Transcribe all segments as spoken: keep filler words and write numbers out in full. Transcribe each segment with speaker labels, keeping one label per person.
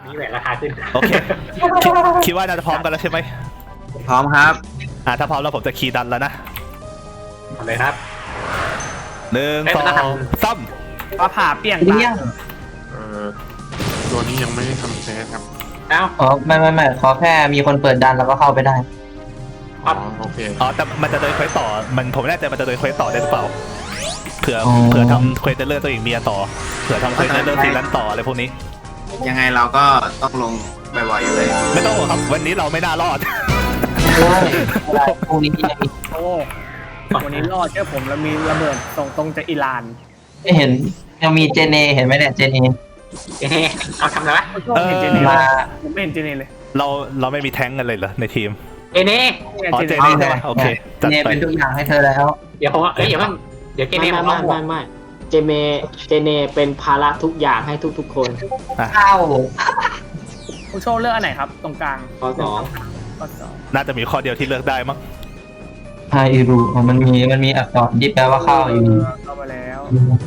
Speaker 1: นี้แหวนราคาขึ้น
Speaker 2: โอเคคิดว่าน่าจะพร้อมกันแล้วใช่ไหม
Speaker 3: พร้อมครับ
Speaker 2: อ่าถ้าพร้อมแล้วผมจะคีย์ดันแล้วนะ
Speaker 1: เอาเลยครับ
Speaker 2: หนึ่งสองสาม
Speaker 4: ฟ้าผ่าเปี้ยงตา
Speaker 5: เอ่อตัวนี้ยังไม่ได้ทำเซตครับ
Speaker 1: เอ้า
Speaker 3: อ๋อไม่ไม่ไม่ขอแค่มีคนเปิดดันแล้วก็เข้าไปได้
Speaker 5: อ๋อโอเค
Speaker 2: อ๋อแต่มันจะเดินเควสต่อมันผมไม่แน่ใจมันจะเดินเควสต่อได้หรือเปล่าเผื่อเผื่อทำเควสเลื่อนตัวเองเมียต่อเผื่อทำเควสเลื่อนซีรันต่ออะไรพวกนี้
Speaker 3: ยังไงเราก็ต้องลงบ่อยๆอยู่เลย
Speaker 2: ไม่ต้องครับวันนี้เราไม่น่ารอด
Speaker 3: พรุ่งนี้ยังมี
Speaker 4: โอ้วันนี้รอดเจ้าผมแล้วมีระเบิดส่งตรงจากอิหร่าน
Speaker 3: ไม่เห็นยังมีเจเนเห็นไหมเนี่ยเจเน
Speaker 1: เอ๊ะเอาทำอะไรวะ
Speaker 4: เห็นเจเนมาผมไม่เห็นเจเนเลย
Speaker 2: เราเราไม่มีแท้งกันเลยเหรอในทีม
Speaker 1: เอเน่
Speaker 2: อ๋อเจเน่ใช่ไหมโอเค
Speaker 3: เจเนเป็นทุกอย่างให้เธอแล้ว
Speaker 1: เดี๋ยวผมเอ้ยเดี๋ยวมันเดี๋ยวเจเน่
Speaker 6: ไม่ไม่ไม่ไม่เจเมเจเนเป็นภาระทุกอย่างให้ทุกๆคน
Speaker 3: เข้า
Speaker 4: ผู้โชว์เลือกอันไหนครับตรงกลาง
Speaker 6: ข้อสอง
Speaker 4: ข้อสอง
Speaker 2: น่าจะมีข้อเดียวที่เลือกได้มั้ง
Speaker 3: ไฮรูมันมีมันมีอักษรที่แปลว่าเข้าอยู่
Speaker 4: เข้ามาแล้ว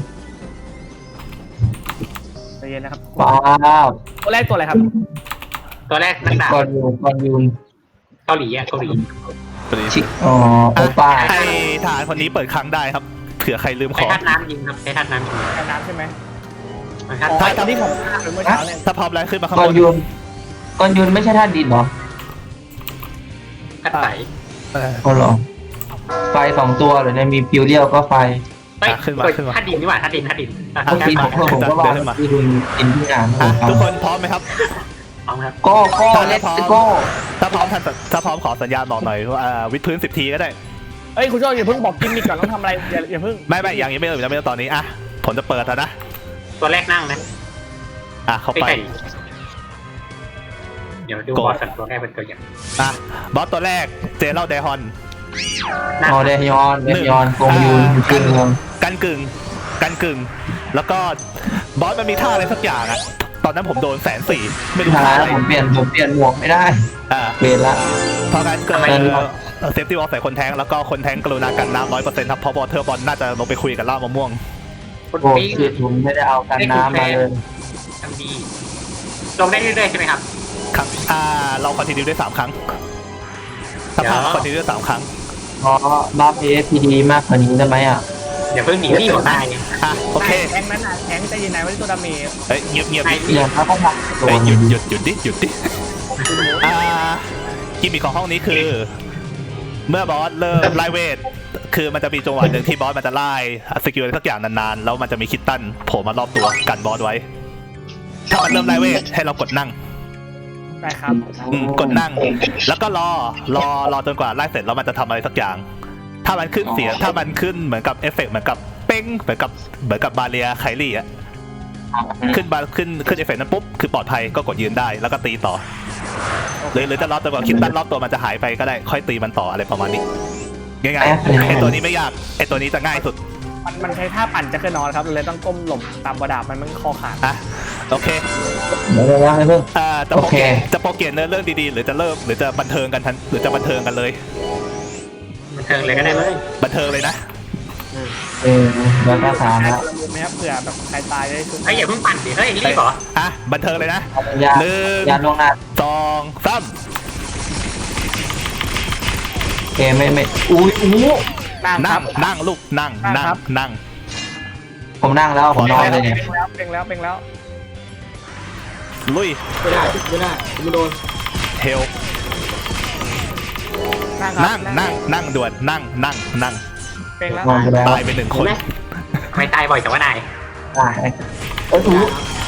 Speaker 4: ใจเย็นนะครับ
Speaker 3: ว้าว
Speaker 4: ตัวแรกตัวอะไรครับ
Speaker 1: ตัวแรกนักดาบ
Speaker 3: กอนยูกอนยูน
Speaker 1: เกาหลีอ่ะเกาหลี
Speaker 3: ชิอ๋อโอป้า
Speaker 2: ให้ทหารคนนี้เปิดครั้งได้ครับเผื่อใครลืมของ
Speaker 1: ใช้ท่าน้ำยิงครับใช้ท่าน้ำยิง
Speaker 4: ท่าน้ำใช่ไหม
Speaker 1: ถ้า
Speaker 4: ตอนที่ผมเมื่อเช้าเนี่ย
Speaker 2: ถ้าพร้อมแล้วขึ้นมาข้างบน
Speaker 3: กอนยูนกอนยูนไม่ใช่ท่าดินหรอ
Speaker 1: ท่าไฟ
Speaker 3: อ๋อเหรอไฟสองตัวหรือเนี่ยมีฟิวเรียลก็ไฟ
Speaker 2: ขึ้นมาขึ้นมา
Speaker 1: ท่าดินนี่หว่าท่าดินท่าดิน
Speaker 3: เมื่อกี้ผมผมก็ว่าที่ดินดินที่งาน
Speaker 2: ทุกคนพร้อมไหมครับ
Speaker 1: พร้อมครับ
Speaker 3: ก็ก็เลสโก้
Speaker 2: ถ้าพร้อมถ้าพร้อมขอสัญญาณบอกหน่อยว่าวิดพื้นสิบทีก็ได้
Speaker 4: เอ้ยคุณโจ้อย่าเพิ่งบอกกินมิกก่อนต้องทำอะไรอย่าอย่าเพิ่ง
Speaker 2: ไม่ไม่อย่างนี้ไม่ต้องยังไม่ต้องตอนนี้อ่ะผมจะเปิดแล้วนะ
Speaker 1: ตัวแรกนั่งนะ
Speaker 2: อ่ะเข้าไป
Speaker 1: เดี๋ยวดูบอสตัวแรกเป็นตัวอย่าง
Speaker 2: อ่ะบอสตัวแรกเจเล่าเดฮอน
Speaker 3: อ๋อเดฮอนเดฮอนกงยูนกึ่ง
Speaker 2: กันกึ่งกันกึ่งแล้วก็บอสมันมีท่าอะไรสักอย่างอ่ะตอนนั้นผมโดนแสนสี่ไม่รู้ท่าอะไร
Speaker 3: ผมเปลี่ยนผมเปลี่ยนหมวกไม่ได้
Speaker 2: อ่า
Speaker 3: เปลี่ยนละ
Speaker 2: เพราะงั้นเกิดเซฟตี้วอลใส่คนแทงแล้วก็คนแทงกรุณากันน้ำร้อยเปอร์เซ็นต์ครับเพราะบอลเทอร์บอลน่าจะลงไปคุยกับล่ามะม่วง
Speaker 3: โอ้คือผมไม่ได้เอากันน้ำมาเลย
Speaker 1: ทำดีลงได้เรื่อยๆใช่ไหมครับ
Speaker 2: ครับอ่าเราคอนติเนียได้สามครั้งถ้าพลาดคอนติเนียได้สามครั้ง
Speaker 3: เพราะบัฟเอฟพีดีมากกว่านี้ได้ไหมอ่ะ
Speaker 1: อย่าเพิ่งหนีที่ผมได้
Speaker 2: อ่ะโอเค
Speaker 4: แทงนั้นอ่ะแทงใจเย็นไหนว่าตัวดาเมจ
Speaker 2: เฮ้ยเงียบเงียบ
Speaker 3: เงียบครับพ่อพัก
Speaker 2: หยุดหยุดหยุดดิหยุดดิอ่ากิมมิคของห้องนี้คือเมื่อบอสเริ่มไล่เวทคือมันจะมีจังหวะหนึ่งที่บอสมันจะไล่สกิลอะไรสักอย่างนานๆแล้วมันจะมีคิตตันโผล่มารอบตัวกันบอสไว้ถ้ามันเริ่มไล่เวทให้เรากดนั่ง
Speaker 4: ได้ครับ
Speaker 2: กดนั่งแล้วก็รอรอรอจนกว่าไล่เสร็จแล้วมันจะทำอะไรสักอย่างถ้ามันขึ้นเสียงถ้ามันขึ้นเหมือนกับเอฟเฟกต์เหมือนกับเป้งเหมือนกับเหมือนกับบาเรียไคลี่อะขึ้นบาขึ้นขึ้นเอฟเฟกต์นั้นปุ๊บคือปลอดภัยก็กดยืนได้แล้วก็ตีต่อหรือหรือจะรอจนกว่าคิดตั้นรอบตัวมันจะหายไปก็ได้ค่อยตีมันต่ออะไรประมาณนี้ง่ายๆไอตัวนี้ไม่ยากไอตัวนี้จะง่ายสุด
Speaker 4: มันมันใช้ท่าปั่นจะขึ้นนอนครับเลยต้องก้มหลบตามบดาบมันมันคอขาด
Speaker 2: อ่ะโอเค
Speaker 3: เดี๋ยวนะเพิ่ง
Speaker 2: อ่าจะโปรเกตจะโปรเกตเนื้อเรื่องดีๆหรือจะเริ่มหรือจะบันเทิงกันทันหรือจะบันเทิงกันเลย
Speaker 1: บันเทิงเลยก็ได้เลย
Speaker 2: บันเทิงเลยนะ
Speaker 3: เออแล้วก็ถามแล้ว
Speaker 4: ไหมครับเผื่อแบบใครตายได้ชุด
Speaker 1: ไอ้อย่าเพิ่งปั่นดิเฮ้ยรีบเหรอ
Speaker 2: อ่ะบันเทิงเลยนะหนึ่ง
Speaker 3: ยาลงหน้า
Speaker 2: สองสาม
Speaker 3: เอไม่ไม่อุ้ยอู้
Speaker 2: นั่งนั่งนั่งลูกนั่งนั่งนั่ง
Speaker 3: ผมนั่งแล้วผมนอนเลยเนี่ย
Speaker 4: เป่งแล้วเป่งแล้ว
Speaker 2: ลุย
Speaker 6: ไม่ได้ไม่ได้ไม่โดน
Speaker 2: เฮลนั่งนั่งนั่งด่วนนั่งนั่งนั่ง
Speaker 4: เป่งแล้ว
Speaker 2: ตายไปหนึ่งคน
Speaker 1: ไม่ตายบ่อยแต่ว่านาย
Speaker 3: ตายเออถูก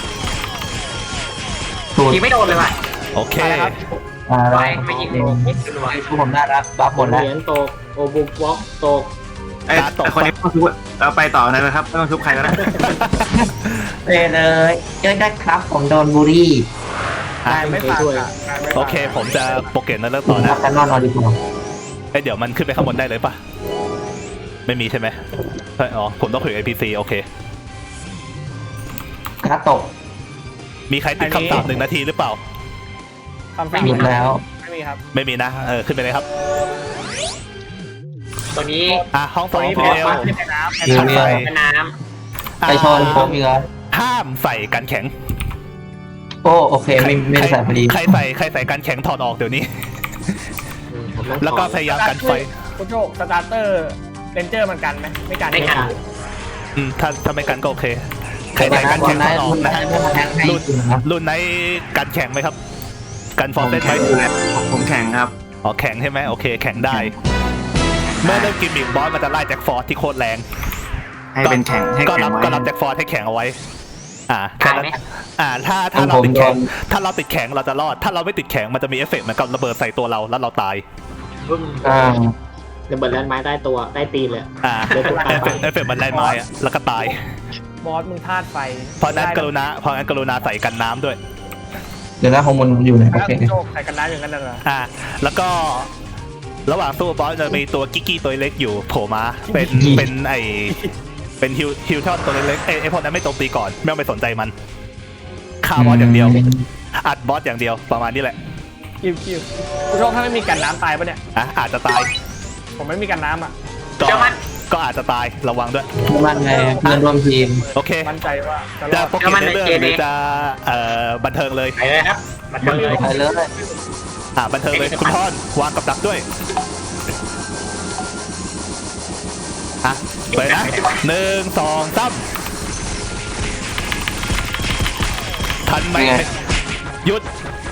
Speaker 1: ถูกยิงไม่โดนเลยว่ะ
Speaker 2: โอเค
Speaker 3: อะไร
Speaker 1: ไม่ยิงโดน
Speaker 3: ทุกผมน่ารักบัฟหมดแล้ว
Speaker 6: เหรียญตกโอบุกวอล์กตก
Speaker 3: ไอ้คนนี้ต้องทุบเราไปต่อเลยนะครับไม่ต้องทุบใครก็ได้ไปเลยเจอได้ครับผมโดนบูรี่
Speaker 4: ไม่ผ่าน
Speaker 2: โอเคผมจะโปรเกตนั่นเริ่มต่อนะ
Speaker 3: กันนอนนอนดีกว่า
Speaker 2: ไอเดี๋ยวมันขึ้นไปข้างบนได้เลยปะไม่มีใช่ไหมอ๋อผมต้องคุยกับ ไอ พี ซี โอเค
Speaker 3: กระตก
Speaker 2: มีใครติดคำสาปหนึ่งนาทีหรือเปล่า
Speaker 3: ไม่มีแล้ว
Speaker 4: ไม่มีครับ
Speaker 2: ไม่มีนะเออขึ้นไปเลยครับ
Speaker 1: ตัวนี้
Speaker 2: อ่ะห้องสองพีเอล
Speaker 1: ห้ามใส่น้
Speaker 3: ำไปชนผมอีกแล้ว
Speaker 2: ห้ามใส่กันแข็ง
Speaker 3: โอ้โอเคไม่ไม่ได้ใส่พอดี
Speaker 2: ใครใส่ใครใส่กันแข็งถอดออกเดี๋ยวนี้
Speaker 1: ผมต้อง
Speaker 2: แล้วก็พยายามกันไฟ
Speaker 4: คุณโชคสตาร์เตอร์เรนเจอร์มันกันไหมไม่กัน
Speaker 1: ไม่กัน
Speaker 2: อืมถ้าถ้าไม่กันก็โอเค ใครใส่กันแข็งถอดออกนะฮะรุ่นรุ่นไหนกันแข็งไหมครับ กันฟอร์เซนไหม
Speaker 3: ผมแข่งครับ
Speaker 2: อ๋อแข็งใช่ไหมโอเคแข็งได้ เมื่อเริ่มกิมมิกบอสมันจะไล่แจ็คฟอร์ดที่โคตรแรง
Speaker 3: ให้เป็นแข่งให้
Speaker 2: ก็
Speaker 3: แข่
Speaker 2: รั
Speaker 3: ง
Speaker 2: บ
Speaker 3: ไว้
Speaker 2: ก็รับแจ็คฟอร์ดให้แข็งเอาไว้ อ่าแค่
Speaker 1: ตาย
Speaker 2: นั้น
Speaker 1: ไหม
Speaker 2: อ่าถ้าถ้าเราติดแข็งถ้าเราติดแข็งเราจะรอด ถ้าเราไม่ติดแข็งมันจะมีเอฟเฟกต์เหมือนกับระเบิดใส่ตัวเราแล้วเราตาย
Speaker 6: อ่าระเบิดแลนด์ไม้ใต้ตัวใต้ตีนเลย
Speaker 2: อ่า
Speaker 6: เดี๋ยวผมตาย
Speaker 2: เอฟเฟกต์เอฟเฟกต์มันไล่ไม้อะแล้วก็ตาย
Speaker 4: บอสมึงธาตุไฟ
Speaker 2: เพราะนั้นกรุณาเพราะนั้นกรุณาใส่กันน้ำด้วย
Speaker 3: เดี๋ยวนะของมันอยู่ไหนโอ
Speaker 4: แล้ว
Speaker 3: เค
Speaker 4: คุณโชคใส่กันน้ำอย่างนั้นเหรอ
Speaker 2: อ่า แล้วก็ระหว่างสู้บอสจะมีตัวกิกกี้ตัวเล็กอยู่โผล่มา เป็นเป็นไอเป็นฮิวฮิวทอนตัวเล็กๆเอ้ยไอพวกนั้นไม่โจมตีก่อนไม่ต้องไปสนใจมันฆ่าบอสอย่างเดียว อัดบอสอย่างเดียวประมาณนี้แหละ
Speaker 4: คิวคิวคุณโชคถ้าไม่มีกันน้ำตายปะเนี่ย
Speaker 2: อ่ะอาจจะตาย
Speaker 4: ผมไม่มีกันน้ำอ่ะ
Speaker 2: ก็
Speaker 1: เจ้ามัน
Speaker 2: ก็อาจจะตายระวังด้วย
Speaker 3: มันไงเพื่อนร่วมทีม
Speaker 2: โอเค
Speaker 4: มั่นใจว่าจะร
Speaker 2: จะ
Speaker 4: อด
Speaker 2: โปรเกมในเรื่องหรือจะเอ่อบันเทิงเลย
Speaker 1: ไปเลยครับมาเถอะเลย
Speaker 3: ไปเลย
Speaker 2: อ่าบันเทิงเลยคุณพ่อนวางกับดักด้วยอ่ะไปนะหนึ่งสองสามทันไหมหยุด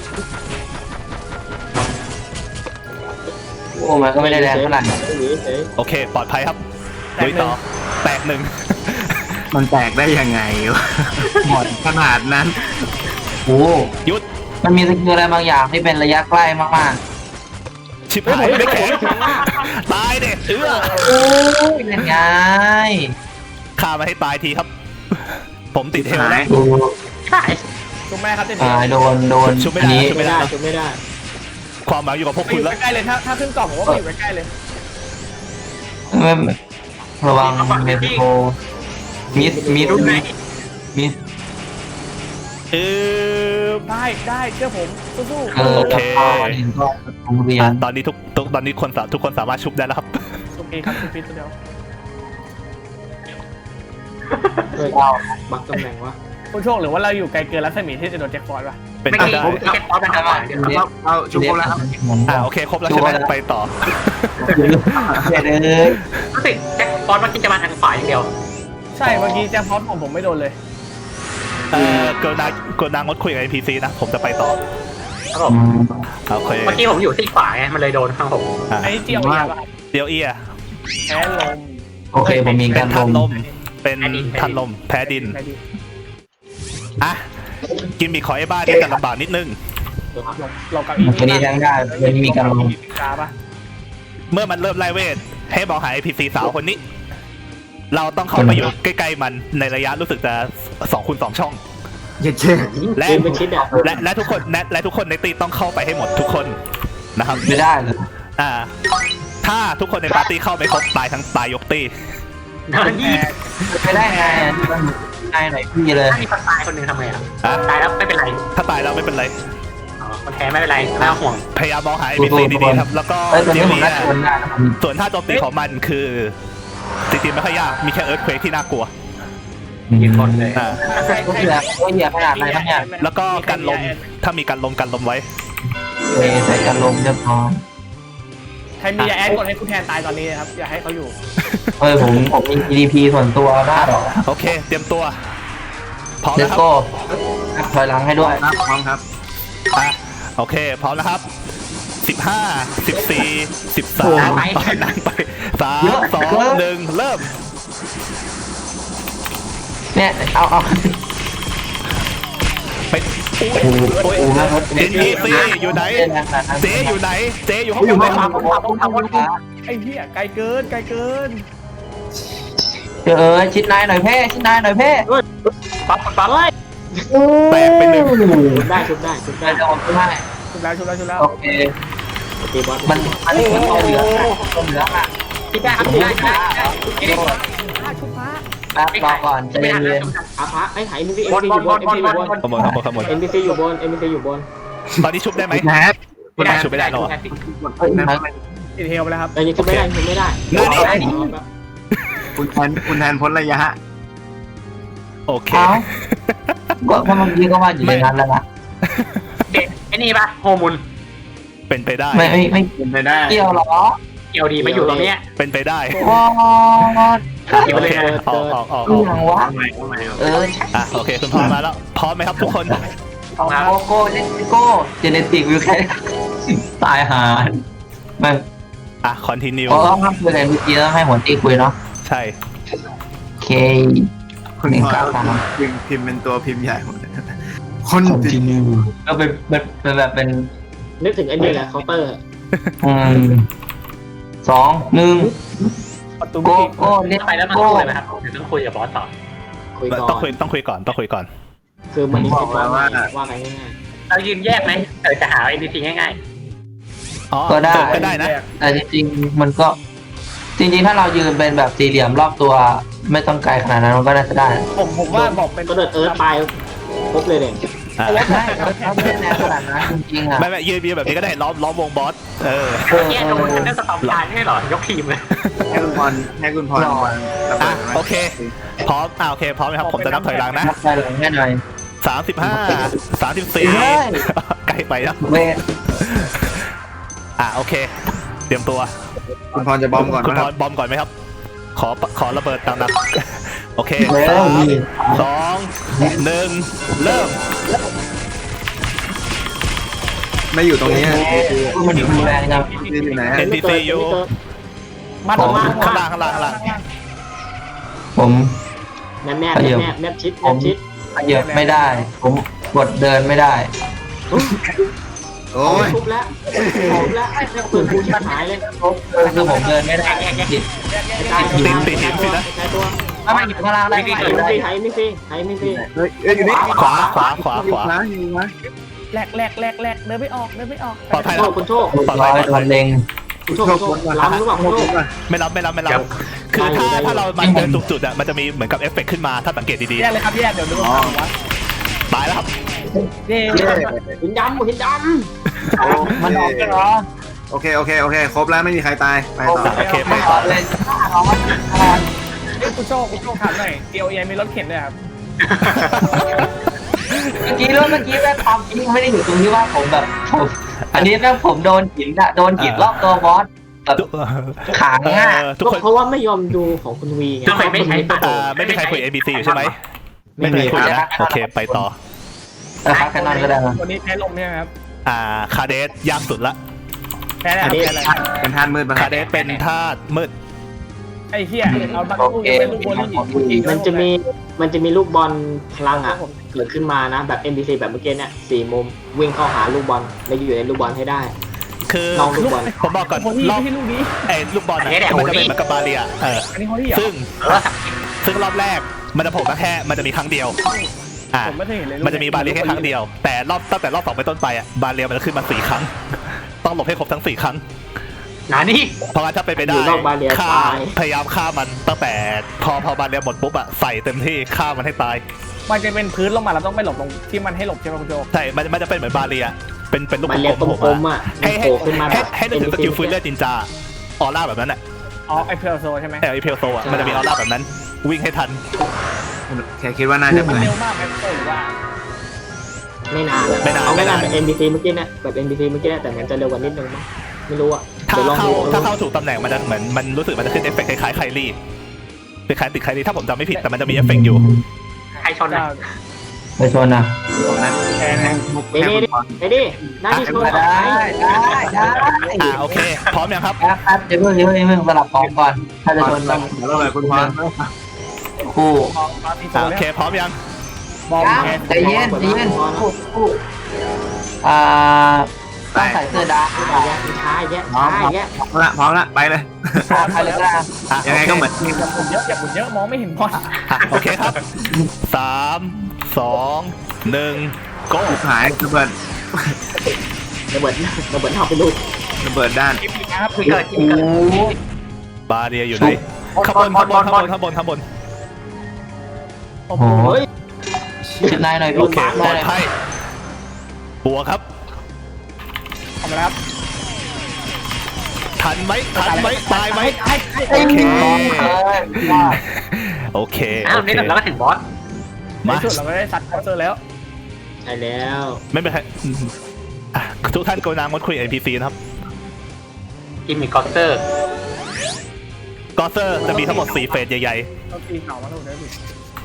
Speaker 3: โอ้มันก็ไม่ได้แรงเท่าไหร่
Speaker 6: เฉย
Speaker 2: โอเคปลอดภัยครับลุยต่อแตกหนึ่ง
Speaker 3: มันแตกได้ยังไงวะหมดขนาดนั้นโอ้
Speaker 2: หยุด
Speaker 3: มันมีสกิลอะไรบางอย่างที่เป็นระยะใกล้มาก
Speaker 2: ชิบหายไม่แข็งตายเด็กเออ
Speaker 3: ๆโอ้ยเป็นไง
Speaker 2: ฆ่ามาให้ตายทีครับ ผมติดเฮลแล้ว
Speaker 3: ดู
Speaker 1: ใช่
Speaker 4: ชุบแม่ครับเจน
Speaker 3: ตายโดนโดน
Speaker 2: ชุบไม่
Speaker 3: อัน
Speaker 2: ได้
Speaker 3: นี้
Speaker 2: ชุบ
Speaker 6: ๆไม่ได้ชุบไม่ได้
Speaker 2: ความหมายอยู่กับพวก
Speaker 4: ไป
Speaker 2: คุ
Speaker 4: อ
Speaker 2: ณ
Speaker 4: ยู่
Speaker 2: แล้ว
Speaker 4: ใกล้ๆเลยถ้าถ้าขึ้นกล่องผมว่าไปอยู่ใกล้ๆเลย
Speaker 3: ไม่ระวังเมทิโกมิสมิส
Speaker 1: รู้ไหม
Speaker 3: มิส
Speaker 2: เออ
Speaker 4: ได้ได้เชื่อผมสู้
Speaker 3: เออ
Speaker 2: โอเค
Speaker 3: แล้วก็เห็นก็โรงเรีย
Speaker 2: อ่ะ
Speaker 3: น
Speaker 2: ตอนนี้ทุกทุกตอนนี้คนสาทุกคนสามารถชุบได้แล้วครับ
Speaker 4: ๆชุบพีครับชุบพีตัวเดียว
Speaker 6: เฮ้ยบักตำแหน่งวะ
Speaker 4: คุณโชคหรือว่าเราอยู่ไกลเกินรัศมีที่จะโดนแจ็คพอตป่ะ
Speaker 2: เป็น
Speaker 1: ไม่
Speaker 2: ไป
Speaker 1: กี่
Speaker 2: ได้
Speaker 1: ผมแค่ป๊อปนะครับเดี๋ยว
Speaker 3: เราเราชูโกแล้วครับ
Speaker 2: อ่าโอเคครบแล้วใช่ไหมไปต่อ
Speaker 3: เดี๋ยวเลย
Speaker 1: รู้สึกแจ็คป๊อปมันจะมาทางขวาอย่างเดียว
Speaker 4: ใช่เมื่อกี้แจ็คพอตของผมไม่โดนเลย
Speaker 2: เออกรุณากรุณางดคุยกับ เอ็น พี ซี นะ ผมจะไปต่อ
Speaker 1: ครับผม
Speaker 2: โอเค
Speaker 1: เมื่อกี้ผมอยู่ที่ขวาไงมันเลยโดนข้างผม
Speaker 2: อ่ะ
Speaker 4: ไอ้เจียวเอียป่ะครับ
Speaker 2: เดียวเอีย
Speaker 4: แพ้ลม
Speaker 3: โอเคผมมี
Speaker 2: เป็
Speaker 3: กาน ร
Speaker 2: ทัน
Speaker 3: ล
Speaker 2: ล
Speaker 3: ม
Speaker 2: ม เป็นทันลมแพ้ดิน
Speaker 4: แพ้ดิน
Speaker 2: อ่ะ กินมีขอไอ้บ้านี่จะลำบากนิดนึง
Speaker 4: เรากับอี
Speaker 3: ตัวนี้ทั้งได้ตัวนี้มีการลม
Speaker 4: กาป่ะ
Speaker 2: เมื่อมันเริ่มไล่เวท ให้บอกหา เอ็น พี ซี สาวคนนี้ เราต้องเข้าไปอยู่ใกล้ๆมันในระยะรู้สึกจะสองคูณสองช่อง
Speaker 3: เย็ดเช่
Speaker 2: และ
Speaker 6: เดินเป็นชิดอ่ะ
Speaker 2: และและทุกคนและและทุกคนในตีต้องเข้าไปให้หมดทุกคนนะครับ
Speaker 3: ไม่ได้เลย
Speaker 2: อ่า ถ้าทุกคนในปาร์ตี้เข้าไม่ครบตายทั้งตายยกตี
Speaker 1: เดินยี่
Speaker 3: ไม่ได้ไงมันไงหน่อยพี่เลย
Speaker 1: ถ้ามีคนตายคนหนึ่งทำไงอ่ะ
Speaker 2: อ่ะ
Speaker 1: ตายแล้วไม่เป็นไร
Speaker 2: ถ้าตายแล้วไม่เป็นไร
Speaker 1: อ๋อคนแพ้ไม่เป็นไรไม่ต้องห่วง
Speaker 2: พยายามมองหา เอ็น พี ซี ดีๆครับ แล้วก็
Speaker 3: เอ้ยตัว
Speaker 2: เดี๋
Speaker 3: นี้
Speaker 2: ยว
Speaker 3: ผม
Speaker 2: นี้
Speaker 3: น่าจะเป็นได้นะ
Speaker 2: ส่วนท่าโจมตีของมันคือจริงๆไม่ค่อยยาก มีแค่เอิร์ธเควกที่น่ากลัว
Speaker 1: มีคนเลย
Speaker 2: อ่า
Speaker 3: ก็เหยียบก็เหยียบขนาดไหนบ้างเนี่ย
Speaker 2: แล้วก็กันลม ถ้ามีกันลมกันลมไว้
Speaker 3: เอใส่การลมเรียบร้อย
Speaker 4: ใครมียาแอดกดให้คุณแทนตายตอนนี้นะครับอย่าให้เขาอยู่
Speaker 3: เฮ้ยผมผมมี จี ดี พี ส่วนตัวได้หรอ
Speaker 2: โอเค เตรียมตัว พร้อม
Speaker 3: เล
Speaker 2: นะ
Speaker 3: ส
Speaker 2: ครับ
Speaker 3: โก้ถอยหลังให้ด้วย
Speaker 5: ครับพร้อมครับ
Speaker 2: อ่ะโอเค พร้อมนะครับสิบห้า สิบสี่ สิบสาม
Speaker 1: ไป
Speaker 2: นั่งไปสามสองหนึ่งเริ่ม
Speaker 3: เนี่ยเอาเอา
Speaker 2: ไปโอ้ย
Speaker 3: โอ้โหนะรถ
Speaker 2: เอ็นพีซีอยู่ไหน เจอยู่ไหน เจอยู่ข้างบนเลยครับ
Speaker 4: ไอ้เหี้ยไกลเกินไกลเกิน
Speaker 3: เจอเออชิดนายหน่อยเพ่ชิดนายหน่อยเพ่
Speaker 1: ป๊อปป๊อป
Speaker 2: แตกไปหนึ่ง
Speaker 6: ชุบได้ชุบได้ชุบได้
Speaker 3: ได้จะออกไม่ได้
Speaker 4: ชุบแล้วชุบแล้วชุบแล้ว
Speaker 3: โอเค
Speaker 6: ตีบอส
Speaker 3: มันมันเหมือนตัวเหลืองอะตัวเหลืองอ่ะ
Speaker 1: คิดได้ครับคิดได้คิดได้คิดได้
Speaker 4: พาชุบพา
Speaker 3: แป๊บรอก่อนใจ
Speaker 1: ไม่ทัน
Speaker 3: เย็
Speaker 1: แล้ว
Speaker 3: น
Speaker 6: อาพระไอ้ไถ่เอ็นพีซี
Speaker 1: บนบนบนบนบนบน
Speaker 2: ขโมยขโมยขโมย
Speaker 6: เอ็นพีซีอยู่บนเอ็นพีซีอยู่บน
Speaker 2: ตอนนี้ชุบได้ไหม
Speaker 3: แฮป
Speaker 2: ไม่ได้ชุบไม่ได้หรอ
Speaker 3: เฮ้ยมัน
Speaker 4: ติดเฮลไปแล้วครับ
Speaker 6: แต่ยังชุบไม่ได้ชุบไม่ได้
Speaker 2: นั่นนี่
Speaker 5: คุณแทนคุณแทนพ้นระยะ
Speaker 2: โอเค
Speaker 3: เอ้าก็เพราะเมื่อกี้ก็ว่าอยู่ในนั้นแล้วนะ
Speaker 1: เด็กไอ้นี่ปะโฮมุน
Speaker 2: เป็นไปได้
Speaker 3: ไม่ไม่ไม่
Speaker 5: เป็นไปได้
Speaker 3: เกี่ยวหรอ
Speaker 1: เกี่ยวดีมาอยู่ตรงเนี้ย
Speaker 2: เป็นไปได้
Speaker 3: วอด
Speaker 1: เกี่ยว
Speaker 2: โอ
Speaker 1: เลย
Speaker 2: เค
Speaker 1: นะ
Speaker 2: ออกออกออก
Speaker 3: เรื่องวะ
Speaker 5: ทำไมทำไม
Speaker 3: เออ
Speaker 2: อ่ะโอเคคุณพรมาแล้วพร้อมไหมครับทุกคน
Speaker 3: เอาโกโก้เลสโก้เจเนติกวิวแค่ตายหามัน
Speaker 2: อ่ะคอนติเนีย
Speaker 3: เพราะต้องทำคุยอะไรเมื่อกี้ต้องให้หัวตีคุยเนาะ
Speaker 2: ใช่
Speaker 3: โอเค
Speaker 5: คุณพอพิมพ์พิมพ์เป็นตัวพิมพ์ใหญ่หมดคนติด
Speaker 3: ก็เป็นเป็นเป็นแบบเป็น
Speaker 6: นึกถึงไอ้นี่แหละเคาน์เตอร์
Speaker 3: อืมสองหนึ่ง
Speaker 4: ประตู
Speaker 3: โก
Speaker 4: มิติ
Speaker 3: โก้เลส
Speaker 1: ไปแล้วมัน
Speaker 3: โก้
Speaker 1: พูดเลยนะครับเดี๋ยวต้องคุยกับบอสต่อ
Speaker 6: คุยก่
Speaker 2: ต้องคุย
Speaker 6: อน
Speaker 2: ต้องคุยก่อนต้องคุยก่อน
Speaker 6: คือมันนี่คิดว่าว่าว่าไงง่าย
Speaker 1: เรายืนแยกไหมเออจะหา เอ็น พี ซี ง่าย
Speaker 2: อ๋อ
Speaker 3: ก็ได้
Speaker 2: ก็ได้นะ
Speaker 3: แต่จริงๆมันก็ จริงๆถ้าเรายืนเป็นแบบสี่เหลี่ยมรอบตัว ไม่ต้องไกลขนาดนั้นมันก็น่าจะได้
Speaker 4: ผมผมว่าบอกเป็น
Speaker 6: ๆก็เดินเอิร์ธไปครบเลยเด่น
Speaker 2: อ่ะ
Speaker 3: ไม่เราไม่ได้แนวขนาดนั้นจริงๆอ่ะ
Speaker 2: ไม่ไม่ยืนยืนแบบนี้ก็ได้ล้อมล้อมวงบอสเออ
Speaker 1: ๆแยกตรงนั้นได้สตอมตายไม่ใช่เหรอยกทีมเลย
Speaker 5: ให้คุณพรให้คุณพรวางระ
Speaker 2: อ่ะ
Speaker 5: เบิดไหม
Speaker 2: โอเคพร้อมอ่ะโอเคพร้อมไหมครับผมจะนับถอยหลังนะ
Speaker 3: นับไปหลังแค่หน่อย
Speaker 2: สามสิบห้าสามสิบสี่
Speaker 3: เฮ้ย
Speaker 2: ใกล้ไปแล้ว
Speaker 3: เวท
Speaker 2: อ่ะโอเค เตรียมตัว
Speaker 5: คุณพรจะบอมก่อน
Speaker 2: คุณ
Speaker 5: นะ
Speaker 2: พ
Speaker 5: ครับ
Speaker 2: รบอมก่อนไหมครับ ขอขอระเบิดตามนัดโอเค
Speaker 3: เวท
Speaker 2: สาม
Speaker 3: นี่
Speaker 2: สองหนึ่งเริ่ม
Speaker 5: ไม่อยู่ตรงนี้
Speaker 3: มันอยู่แรงจัง
Speaker 5: อยู่ไหน
Speaker 2: เอ็นพีซีอยู่
Speaker 4: มาตรงมา
Speaker 2: ข้างล่างข้างล่างข้างล่าง
Speaker 3: ผม
Speaker 6: แนบแนบแนบแนบชิดแนบชิด
Speaker 3: ขยับไม่ได้ ผมกดเดินไม่ได้
Speaker 5: โอ้ย
Speaker 6: ทุบแล้วทุบแล้วไอ้เปืนกูชิบหายเลย
Speaker 3: คือผมเดินไม่ได้ติด
Speaker 2: ติดติดหินสินะ
Speaker 6: ใช้ตัว
Speaker 3: ถ้าไม่อยู่ข้างล่างได้
Speaker 6: ไทยไม่ฟรีไทยไม่ฟรีไทยไม่ฟรี
Speaker 5: เฮ้ยเอ้ยอยู่นี่
Speaker 2: ขวาขวาขวาขวา
Speaker 5: อยู่นะ
Speaker 4: แหลกแหลกแหลกแหลกเดินไม่ออกเดินไม่ออก
Speaker 2: ปลอดภัย
Speaker 6: โช
Speaker 2: แล้ว
Speaker 6: คคุณโชค
Speaker 2: ปลอด
Speaker 3: ร้
Speaker 2: ภั
Speaker 3: อย ย
Speaker 2: ปลอดภัย
Speaker 3: โดนเล็ง
Speaker 6: คุณโชคคุณโชคล้ำหรือเปล่าคุณโชค
Speaker 2: ไม่รับไม่รับไม่รับคือถ้าถ้าเรามาเดินถูกจุดอ่ะมันจะมีเหมือนกับเอฟเฟกต์ขึ้นมาถ้าสังเกตดี
Speaker 4: แยกเลยครับแยกเดี๋ยวดูว่าว่า
Speaker 2: ๆตายแล้วครับ
Speaker 4: เย้
Speaker 6: หินดำหินด
Speaker 3: มันออกกันเหรอ
Speaker 5: โอเคโอเคโอเคครบแล้วไม่มีใครตายไปต่อ
Speaker 2: โอเคไป
Speaker 3: ไม่
Speaker 2: ต่
Speaker 3: ต่
Speaker 2: อ
Speaker 3: อเลย
Speaker 4: เฮ้ยคุณโชคคุณโชคถามหน่อยเอลเอมีรถเข็นด้วยครับ
Speaker 3: เมื่อกี้เรื่องเมื่อกี้แม่ความจริงไม่ได้อยู่ตรงที่ว่าผมแบบผมอันนี้แม่ผมโดนหินอะโดนหินรอบตัวบอสแบบขา
Speaker 2: เอ
Speaker 3: ง่ะ
Speaker 2: อ
Speaker 6: ำ
Speaker 2: ทุกคน
Speaker 6: เพราะว่าไม่ยอมดูของคุณวีไง
Speaker 1: ทุกคนไม่ใช้ปะ
Speaker 2: อ่าไม่มีใครคุย เอ บี ซี อยู่ใช่ไหมไม่มีใครคุยนะโอเคไปต่อ
Speaker 3: นะครับแค่นั้นก็ได้นะ
Speaker 4: วันนี้แพ้ลมใช่ไหมครับ
Speaker 2: อ่าคาเดสยากสุดละ
Speaker 4: แพ้แล้วแพ้แล้ว
Speaker 5: เป็นท่านมืดบ้าง
Speaker 2: คาเดสเป็นธาตุมืด
Speaker 4: ไอ้เหี้ยเอาบัตรลูกยังไม่ลูกโบลิ่ง
Speaker 6: มันจะมีมันจะมีลูกบอลพลังอ่ะเกิดขึ้นมานะแบบ เอ็น บี ซี แบบเมื่อกี้เนี่ยสี่มุมวิ่งเข้าหาลูกบอลแล้วอยู่ในลูกบอลให้ได้
Speaker 2: คือ
Speaker 6: ลองลูกบอล
Speaker 2: ผมบอกก่อน
Speaker 4: โบลิ่ง
Speaker 2: รอบ
Speaker 4: ไม่ใช่ลูกนี้
Speaker 2: ไอ้ลูกบอลน่ะมันจะเป็นเหมือนกับบาเรียเออ
Speaker 4: อันนี้เขาที่เหรอ
Speaker 2: ซึ่งซึ่งรอบแรกมันจะโผล่มาแค่มันจะมีครั้งเดียวอ่า
Speaker 4: ผมไม่เคยเห็นเลย
Speaker 2: มันจะมีบาเรียแค่ครั้งเดียว แต่รอบตั้งแต่รอบสองไปต้นไปอ่ะบาเรียมันจะขึ้นมาสี่ครั้ง ต้องหลบให้ครบทั้งสี่ครั้ง
Speaker 1: นานี่
Speaker 2: เพราะว่าถ้าเป็นไปได้
Speaker 6: อยู่นอกบาเรีย
Speaker 2: ฆ่า
Speaker 6: ตาย
Speaker 2: พยายามฆ่ามันตั้งแต่พอพอบาเรียหมดปุ๊บอะใส่เต็มที่ฆ่ามันให้ตาย
Speaker 4: มันจะเป็นพื้นลงมาเราต้องไปหลบตรงที่มันให้หลบใช่ไหมคุณโจ
Speaker 2: ใช่มันมันจะเป็นเหมือนบาเรียเป็นเป็นลูก
Speaker 6: มันเรียก
Speaker 2: ก
Speaker 6: ก
Speaker 2: ลมๆโผ
Speaker 6: ล
Speaker 2: ล่
Speaker 6: ม
Speaker 2: มา
Speaker 6: ๆอ่ะ
Speaker 2: ให้ให้
Speaker 6: โผล่ขึ้นมาแบ
Speaker 2: ให้
Speaker 6: บ
Speaker 2: ให้นึกถึงสกิลฟื้นเลือดจินจาออร่าแบบนั้นอะ
Speaker 4: อ๋อไอเพลโซใช่ไหม
Speaker 2: แต่ไอเพลโซอะมันจะมีออร่าแบบนั้น วิ่งให้ทัน
Speaker 5: แค่คิดว่าน่าจะ
Speaker 4: มัน
Speaker 5: เป็น
Speaker 4: เร็วมากไหมหรือว่า
Speaker 6: ไม่นาน
Speaker 2: ไม่นาน
Speaker 6: เอาไม่นาน
Speaker 2: ไม่
Speaker 6: แบบ
Speaker 2: นาน
Speaker 6: เอ็น บี ซี เมื่อกี้นะแบบ เอ็น บี ซี เมื่อกี้นะแต่มันจะเร็วกว่านิดนึงมั้งไม่รู้อ่ะ
Speaker 2: ถ้า
Speaker 6: เดี๋ยวลอง
Speaker 2: เข้า
Speaker 6: ดู
Speaker 2: ถ้าเข้าถูกตำแหน่งมันจะเหมือนมันรู้สึกมันจะขึ้นเอฟเฟกต์คล้ายๆไคลี่คล้ายๆติดไคลี่ถ้าผมจำไม่ผิดแต่มันจะมีเอฟเฟกต์อยู่
Speaker 1: ใครชนนะ
Speaker 3: ไปชนนะ
Speaker 5: ตรงนั้น
Speaker 4: แพ้นะ
Speaker 6: เดี๋ยวดิเดี๋ยวดิหน้าที่โชว์
Speaker 3: ได้ได้ได้
Speaker 2: อ่าโอเค พร้อมยังครับ
Speaker 3: ครับครับเดี๋ยวเพิ่งเดี๋ยวเพิ่งเดี๋ยวเพิ่งสลับกองก่อน ถ้าจะชนต้อง
Speaker 5: เดี๋ยวเราเลยคุณพร
Speaker 3: คู่
Speaker 4: มองมาตีโซ
Speaker 2: อ่าโอ
Speaker 4: แล้ว
Speaker 2: เคพร้อมยัง
Speaker 4: มอง
Speaker 3: ยัง
Speaker 4: แพ้
Speaker 3: ใจเย็นใจเย็นคู่คู่อ่าต้องใส่เสื้อดำหรือเปล่า
Speaker 6: ช้าแยะช้าแยะ
Speaker 5: พร้อมละพร้อมละไปเลย
Speaker 3: ใครเลยก็ได้
Speaker 2: อ่ะ
Speaker 5: ยังไงก็เหมือน
Speaker 4: อย่าหมุนเยอะอย่าหมุนเยอะมองไม่เห็นบอล
Speaker 2: อ่ะโอเคครับสามสองหนึ่งโก้
Speaker 5: หายระเบิด
Speaker 6: ระเบิดระเบิดเอาไปลูก
Speaker 5: ระเบิดด้าน
Speaker 4: คลิปนี้นะครับ
Speaker 1: ที่เกิดที่เกิด
Speaker 2: บาเรียอยู่ไหนข้างบนข้างบนข้างบนข้างบนข้างบน
Speaker 4: โอ้
Speaker 3: โอ้
Speaker 4: โห
Speaker 3: โห
Speaker 6: เฮ้ย
Speaker 3: ชิดนายหน่อย
Speaker 2: โอ
Speaker 3: ลูก
Speaker 2: เค
Speaker 3: บาส
Speaker 2: ปลอด
Speaker 3: หน่อย
Speaker 2: ภัยบัวครับ
Speaker 4: ทำอะไรครับ
Speaker 2: ทันไหมทันไหมตายไหม
Speaker 4: โอ
Speaker 2: โอเค
Speaker 3: ว่า
Speaker 2: โอเค
Speaker 1: อ้าว
Speaker 2: โอเค
Speaker 1: นี่แล้วก็ถึงบอส
Speaker 4: ใน
Speaker 2: มา
Speaker 4: สุดเราก็ได้ซัดคอเซอร์แล้ว
Speaker 6: ใช่แล้ว
Speaker 2: ไม่เป็นไรอ่ะทุกท่านกรุณางดคุย เอ็น พี ซี นะครับ
Speaker 1: กิมมิคคอสเตอร์
Speaker 2: กอเซอร์จะมีทั้งหมดสี่เฟสใหญ่
Speaker 4: ต้องตีเข่ามาแล้วได้ดิ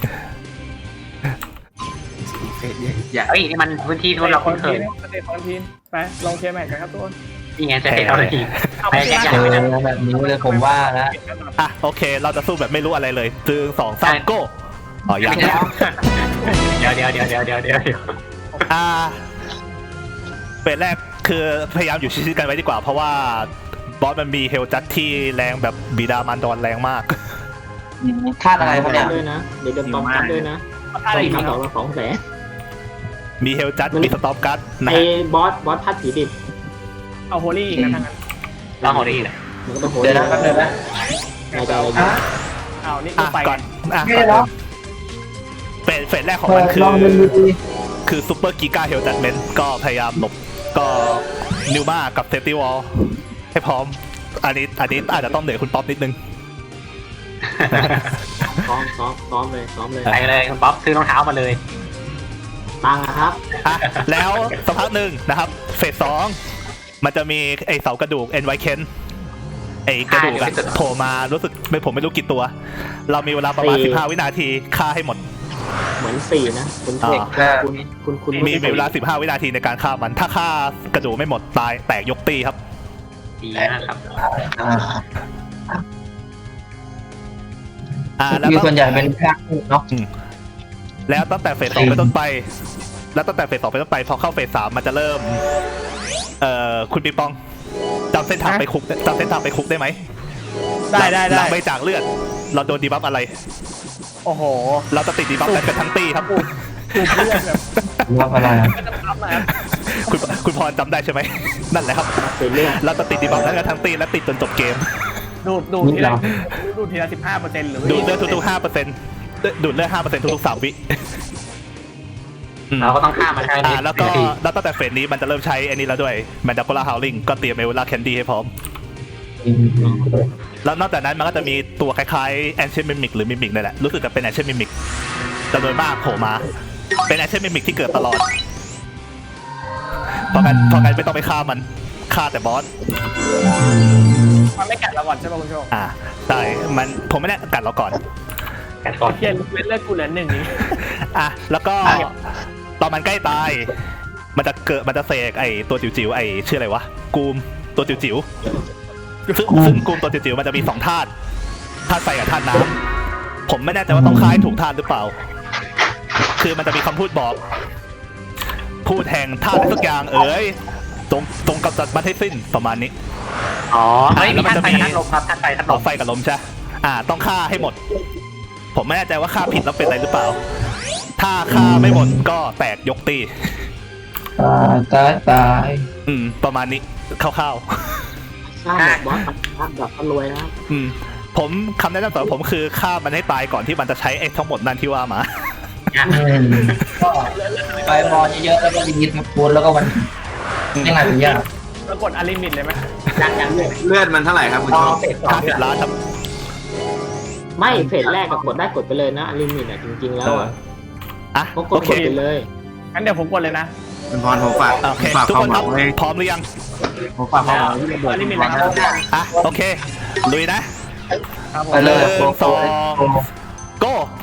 Speaker 5: เฟสใหญ่
Speaker 1: เฮ้ยนี่มันพื้นที่ที่เราคุ้นเคย
Speaker 4: สเตปคอนทีนไปลงเคแม็กกันครับทุกคน
Speaker 1: นี่ไงจะเห็นเราเลยทีไปแยก
Speaker 3: เจ
Speaker 1: ย้ายไปนะ
Speaker 3: อแบบนี้เลยผมว่าแล้ว
Speaker 2: ๆอ่ะโอเค เราจะสู้แบบไม่รู้อะไรเลยตึงสองสามโก้อ๋อยัง
Speaker 1: เดี๋ยวเดี๋ยวเดี๋ยวเดี๋ยวเดี๋ยวเดี๋ยวเดี๋ยว
Speaker 2: อ่าเฟสแรกคือพยายามอยู่ชิดๆกันไว้ดีกว่า เพราะว่าบอสมันมีเฮลจัดที่แรงแบบบิดามารดอนแรงมาก
Speaker 3: คาดอะไรครับเนี่ย
Speaker 6: ด้วยนะเดี๋ยวเดินตอมกันด้วยนะ
Speaker 4: ท่าอะไร
Speaker 6: ตี
Speaker 4: อีก
Speaker 6: มา
Speaker 4: ค
Speaker 6: ส
Speaker 4: รั
Speaker 6: อบ งละสองแสน
Speaker 2: มีเฮลจัดมีสต็อปการ์ดนะ
Speaker 6: ไอ้
Speaker 2: ฮะ
Speaker 6: บอสบอสพัดผีดิบ
Speaker 4: เอาโฮลี่อีกนะทั้งนั้น
Speaker 1: เราหัวดีเลย
Speaker 6: มันก็ต้องโหด
Speaker 3: เดี๋ยวนะแป๊บนึงนะ
Speaker 6: ในใจอะไรอยู่
Speaker 4: เอานี่
Speaker 2: อ่ะ
Speaker 4: ไป
Speaker 2: ก่อนอ่ะก่อนเริ่มเฟสเฟสแรกของมันคือ คือซูเปอร์กิกาเฮลจัดเมนก็พยายามหลบก็นิวมากับเซฟตี้วอลให้พร้อม อันนี้อันนี้อาจจะต้องเหนื่อยคุณป๊อปนิดนึง
Speaker 6: ซ้อมซ้อมซ้อมเลยซ้อมเลย
Speaker 1: ไปเลยคุณป๊อปซื้อรองเท้ามาเลย
Speaker 6: ตังค์อะครับ
Speaker 2: อ่ะแล้วสักพักหนึ่งนะครับ เฟสสองมันจะมีไอเสากระดูกเอ็นไวเคนไอกระดูกอะโผล่มารู้สึกไม่ผมไม่รู้กี่ตัว เรามีเวลาประมาณ
Speaker 6: สี่
Speaker 2: สิบห้าวินาทีฆ่าให้หมด
Speaker 6: เหมือนสี่นะคุณ
Speaker 2: อ๋อ
Speaker 6: คุณคุณคุณ
Speaker 2: มีมีเวลาสิบห้าวินาทีในการฆ่ามัน ถ้าฆ่ากระดูกไม่หมดตายแตกยกตีครับ
Speaker 1: ดีนะครับ
Speaker 3: อ่า
Speaker 2: อ่าแล้ว
Speaker 3: คือ
Speaker 2: ก็
Speaker 3: ส่วนใหญ่เป็นภาคเนาะ
Speaker 2: แล้วตั้งแต่เฟสสองเป็นต้นไป แล้วตั้งแต่เฟสสองเป็นต้นไปพอเข้าเฟสสามมันจะเริ่ม เอ่อคุณปิงปองจำเส้นทางไปคุกจำเส้นทางไปคุกได้ไหม
Speaker 4: ได้ได้
Speaker 2: หลั
Speaker 4: ได้
Speaker 2: งไม่จากเลือด เราโดนดีบัฟอะไร
Speaker 4: โอ้โห
Speaker 2: เราจะติดดีบัฟกันกันทั้งตีครับ
Speaker 4: ถูกเลือดแบบ
Speaker 3: ว่าอะไร
Speaker 4: ก็จะพับมา
Speaker 2: คุณคุณพรจำได้ใช่ไหม นั่นแหละครับ
Speaker 6: เป็นเรื่อง
Speaker 2: เราจะติดดีบัฟกันทั้งตีและติดจนจบเกม
Speaker 4: ดูดดูดทีละดูดทีละสิบห้าเปอร์เซ็นต์หรือ
Speaker 2: ดูดเลือดทุกๆห้าเปอร์เซ็นต์ดูดเลือดห้าเปอร์เซ็นต์ทุกๆสามวิอืม
Speaker 1: เราก็ต้องข้ามมันให้
Speaker 2: อ่าแล้วก็
Speaker 1: นาที
Speaker 2: แล้วตั้งแต่เฟสนี้มันจะเริ่มใช้อันนี้แล้วด้วยแมนดาโกล่าฮาวลิงก็เตรียมเอเวลาแคนดี้ให้พร้อม แล้วนอกจากนั้นมันก็จะมีตัวคล้ายๆแอนเชนมิมิกหรือมิมิกนี่แหละ รู้สึกจะเป็นแอนเชนมิมิกจำนวนมากโผล่มา เป็นแอนเชนมิมิกที่เกิดตลอดเพราะงั้นเพราะงั้นไม่ต้องไปฆ่ามันฆ่าแต่บอส
Speaker 4: มันไม่กัดเราก่อนใช่ป่ะคุณโชค
Speaker 2: อ่าใช่มันผมไม่ได้กัดเราก่อน
Speaker 1: กันก่อน
Speaker 4: เพี้ยนเลือดกูเหลือหนึ่งนี้
Speaker 2: อ่ะแล้วก็ตอนมันใกล้ตาย มันจะเกิดมันจะเสกไอตัวจิ๋วๆไอชื่ออะไรวะกูมตัวจิ๋วๆซึ่งซึ่งกูมตัวจิ๋วๆมันจะมีสองธาตุธาตุไฟกับธาตุน้ำผมไม่แน่ใจว่าต้องคล้ายถูกธาตุหรือเปล่า คือมันจะมีคำพูดบอก พูดแห่งธาตุอะไรสักอย่างเอ้ยตรงตรงกำจัดมันให้สิ้นประมาณนี้
Speaker 1: อ๋อเฮ้ย
Speaker 2: แล้
Speaker 1: มี
Speaker 2: วมัน
Speaker 1: ท่าน
Speaker 2: จะ
Speaker 1: ไฟ
Speaker 2: มี
Speaker 1: กับท่านลมครับท่านไฟท่านล
Speaker 2: เอา
Speaker 1: ม
Speaker 2: ไฟกับลมใช่ อ่า ต้องฆ่าให้หมด ผมไม่แน่ใจว่าฆ่าผิดแล้วเป็นอะไรหรือเปล่า ถ้าฆ่าไม่หมดก็แตกยกตี
Speaker 3: ตายตายตาย
Speaker 2: อืม ประมาณนี้คร่าว
Speaker 6: สร้างแบบบอสสร้างแบบรวยนะครับ
Speaker 2: ๆอืม ผมคำแนะนำสำหรับผมคือฆ่ามันให้ตายก่อนที่มันจะใช้ไอ้ทั้งหมดนั่นที่ว่ามา
Speaker 3: ก็ไปรอเยอะๆแล้วก็รีดมาพูดแล้วก็มันยังไงเป็นยาก
Speaker 4: แล้วกดอลิมิตเลยไหม
Speaker 6: ยังยังเลย
Speaker 5: เลือดมันเท่าไหร่ครับคุณ
Speaker 6: รอ
Speaker 5: โชค
Speaker 6: เฟสสอง
Speaker 2: ห้าสิบล้านครับ
Speaker 6: ไม่เฟสแรกก็กดได้กดไปเลยนะลิมิตอ่ะจริงๆแล้วอะ
Speaker 2: อ่ะ
Speaker 6: ก็ก
Speaker 2: โอ
Speaker 6: ด
Speaker 2: เค
Speaker 6: กดไปเลย
Speaker 4: งั้นเดี๋ยวผมกดเลยนะ
Speaker 5: คุณพรผมฝาก
Speaker 2: โอเค
Speaker 5: ฝาก
Speaker 2: ทุก
Speaker 5: ค
Speaker 2: ค
Speaker 5: วาม
Speaker 2: น
Speaker 5: ห
Speaker 2: ค
Speaker 5: วั
Speaker 2: รับ
Speaker 5: งไว้
Speaker 2: พร้อมหรือยัง
Speaker 5: ผมฝากความหวังไว้ที่ระเบิด
Speaker 4: อันนี้มี
Speaker 5: คุณ
Speaker 4: อะ
Speaker 5: พ
Speaker 4: ไร
Speaker 5: ร
Speaker 4: ครับ
Speaker 2: อ่ะ โอเค ลุยนะ
Speaker 4: ครับผม
Speaker 3: ไปเลย
Speaker 2: หนึ่งสองโก้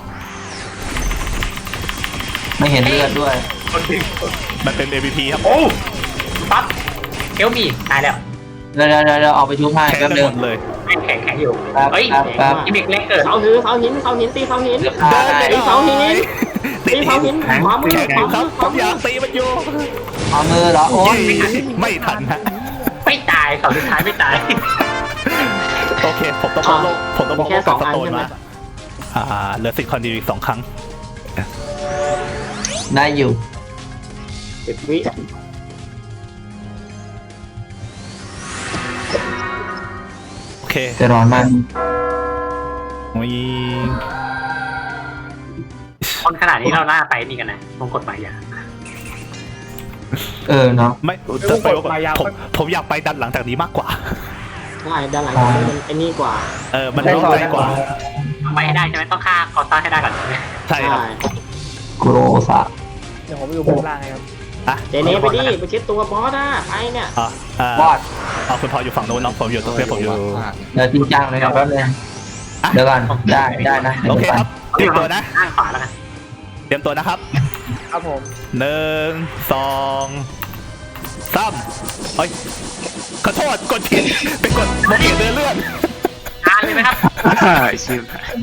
Speaker 3: ไม่เห็นเลือดด้วย
Speaker 2: มันเป็น เอ็ม วี พี ครับ
Speaker 1: โอ้ปั๊บเอลมีตายแล้ว
Speaker 3: เดี๋ยวเดี๋ยวเดี๋ยวออกไปชุบให้
Speaker 2: แข่ง
Speaker 3: แป๊บ
Speaker 2: กัน
Speaker 3: นึ
Speaker 2: ห
Speaker 3: ง
Speaker 2: มดเลย
Speaker 1: แข็งแข็งแข็งอยู่
Speaker 3: ครับ
Speaker 1: เฮ้ย
Speaker 3: ครับครับ
Speaker 1: กิมมิกเล็กเกิด
Speaker 6: เสาหินเสาหินเสาหินตีเสาหิน
Speaker 3: เดี๋ยวฆ่าได้
Speaker 6: ตีเสาหิน
Speaker 2: ติ
Speaker 6: ตี
Speaker 2: ด
Speaker 6: เสาหิ
Speaker 2: หิ
Speaker 6: น
Speaker 2: น
Speaker 6: ขวามือ
Speaker 2: แข่ง
Speaker 6: ขวา
Speaker 2: ค
Speaker 6: มื
Speaker 2: รั
Speaker 6: อบ ข
Speaker 2: ผ
Speaker 6: วาม มื
Speaker 2: อยา
Speaker 6: อก
Speaker 2: ตีมันอยู่
Speaker 3: เอามือเหรอโอ้ย
Speaker 2: ไม่ทันฮะ
Speaker 1: ไม่ตายเขาสุดท้ายไม่ตาย
Speaker 2: โอเค ผมต้องบอกโลกผมต้องบอก
Speaker 6: แค่
Speaker 2: โลก
Speaker 6: ส
Speaker 2: กั
Speaker 6: อบ ง
Speaker 2: ส
Speaker 6: อัน
Speaker 2: โตน
Speaker 6: ใช่ไหม
Speaker 2: มาอ่าเหลือสิทธิ์คอนดิวอีกสองครั้ง
Speaker 3: ได้อยู่
Speaker 6: สิบวิ
Speaker 2: โอเค
Speaker 3: จะร้อนมาก
Speaker 2: มี
Speaker 1: คนขนาดนี้เราหน้าไปนี่กันนะมงกฎหมายยา
Speaker 3: เออเนาะ
Speaker 2: ไม่จะไปผมผมอยากไปดันหลังจากนี้มากกว่า
Speaker 6: ใช่ด้านหลังมันไอ้นี่กว่า
Speaker 2: เออ มันร้อนใจกว่า
Speaker 1: ไปให้ได้ใช่ไหมต้องฆ่าคอสต้าให้ได้ก่อนใช่ไหม
Speaker 2: ใช่ครับ
Speaker 3: โกโรสะ
Speaker 4: เดี๋ยวผมไปดูบนล่างให้ครับ
Speaker 2: อ่ะ
Speaker 6: เจเนไปดิไปเช็ดตัวบอสอ่ะไปเนี่ย
Speaker 2: อ่ะอ่า
Speaker 3: บอด
Speaker 2: เอาคุณพออยู่ฝั่งนู้นน้องผมอยู่ตรงเพื่อนผมอยู่
Speaker 3: เดี๋ยวจริงจังเลยครับแป๊บนึงเดี๋ยวก่อนได้ได้นะ
Speaker 2: โอเคครับเตรียมตัวนะ
Speaker 1: ข้างขวาแล้วกัน
Speaker 2: เตรียมตัวนะครับ
Speaker 4: ครับผม
Speaker 2: หนึ่งสองสามเฮ้ยขอโทษกดผิดไปกดโมเดลเดินเลื่อน
Speaker 1: อ่านเลยไหมครับ
Speaker 5: ชิบ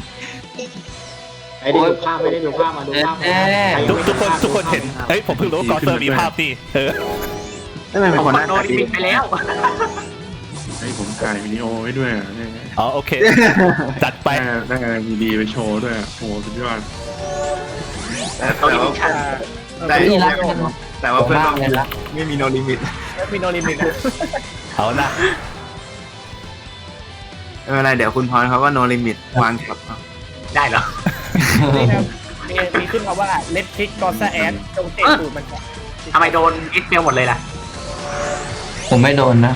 Speaker 6: ไอ้ได้ดูภาพไม่ได้ดูภาพมาดูภาพ
Speaker 2: ทุกทุกคนทุกคนเห็นเฮ้ยผมเพิ่งรู้ว่ากอเซอร์มีภาพนี่เออ
Speaker 5: ทำไมเป็น
Speaker 1: ผม
Speaker 5: คนห
Speaker 1: กด
Speaker 5: น้า
Speaker 1: โน
Speaker 5: ตา
Speaker 1: ลิ
Speaker 5: ดี
Speaker 1: มิตไปแล้ว
Speaker 7: ให้ผมถ่ายวิดีโอไว้ด้วยอ่ะเนี่ย
Speaker 2: อ๋อโอเค จัดไป
Speaker 7: ได้ได้มีดีไปโชว์ด้วยอ่ะโอ้โหสุดยอด
Speaker 5: แต่
Speaker 1: โนลิมิตชัน
Speaker 5: แต่
Speaker 3: นี่รักกัน
Speaker 5: แต่ว่าเพื่อน
Speaker 3: มาก
Speaker 5: เรา
Speaker 3: เลยละ
Speaker 5: ไม่มีโนลิมิต
Speaker 4: แล้วมีโนลิมิตนะ
Speaker 2: เอานะ
Speaker 5: ไม่เป็นไรเดี๋ยวคุณพรเขาก็โนลิมิตวางกับ
Speaker 1: ได้เหรอ
Speaker 4: นี่ครับมีมีขึ้นมาว่าเลดคิกกอซ่าแอดจงเตะตูดมันก่อน
Speaker 1: ทำไมโดนอิสเมลหมดเลยล่ะ
Speaker 3: ผมไม่โดนนะ